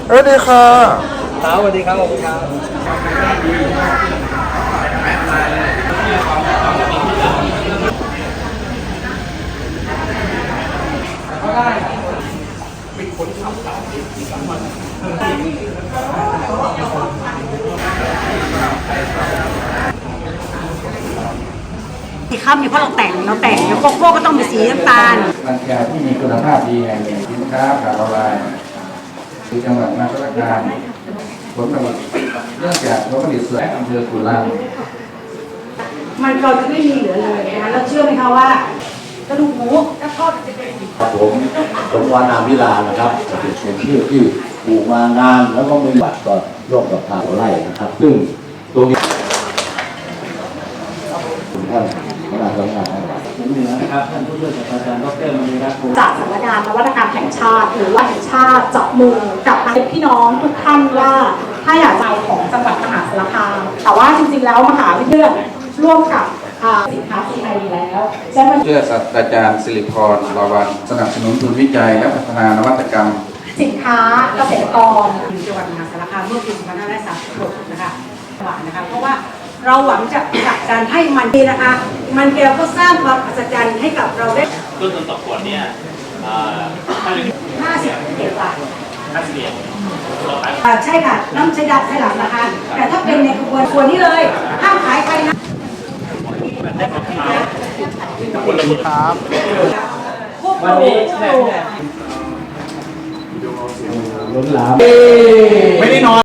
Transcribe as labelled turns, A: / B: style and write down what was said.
A: สวัสดีค่ะ
B: ครับสวัสดีครับขอบคุณครับ
C: ที่ข้ามเนี่ยเพราะเราแต่งแล้วโกโก้ก็ต้องมีสีน้ำตาล
D: ร้านค้าที่มีคุณภาพดีแห่งหนึ่งสินค้าขาดละลายคือจังหวัดมหาสารคามผลผลิตเนื่องจากผลผลิตส่วนอำเภอกุลัง
C: มันก็จะไม่มีเหลือเลยนะคะแล้วเชื่อไหมคะว่ากระดูกหมูและทอดจะเป็น
E: ผมสมวานามวิลานะครับเป็นชื่อที่ปลูกมานานแล้วก็มีบัตรก็ร่วมกับทางไร่นะครับซึ่งตรงนี้ท่านคณะกรรมการเหนือนะครับท่านผู้ช่วยศาสตราจารย์ดร.มณีรัตน์
C: จากสำนักงานนวัตกรรมแห่งชาติหรือว่าแห่งชาติจับมือกับพี่น้องทุกท่านว่าถ้าอยากจะเอาของจังหวัดมหาสารคามแต่ว่าจริงๆแล้วมหาวิทยาลัยร่วมกับสินค้า CI แล้วใช่ไหม
D: เพื่อศาสตราจารย์สิริพรลาวันสนับสนุนทุนวิจัยและพัฒนานวัตกรรม
C: สินค้าเกษตรกรจังหวัดมหาสารคามเมื่อปี2536นะคะหวังนะคะเพราะว่าเราหวังจะผลักดันให้มันดีนะคะมันเกลียวก็สร้างความอัศจรรย์ให้กับเราได้
B: ต้นทุนต่อขวดเนี่ย
C: 50 บาท
B: 50 เหรียญ
C: ใช่ค่ะน้ำใช้ดับใช้หลังนะคะแต่ถ้าเป็นในขวดนี้เลยห้ามขายใครนะ
A: ครับ
B: วันนี้
E: ล้นหลาม
A: ไม่ได้นอน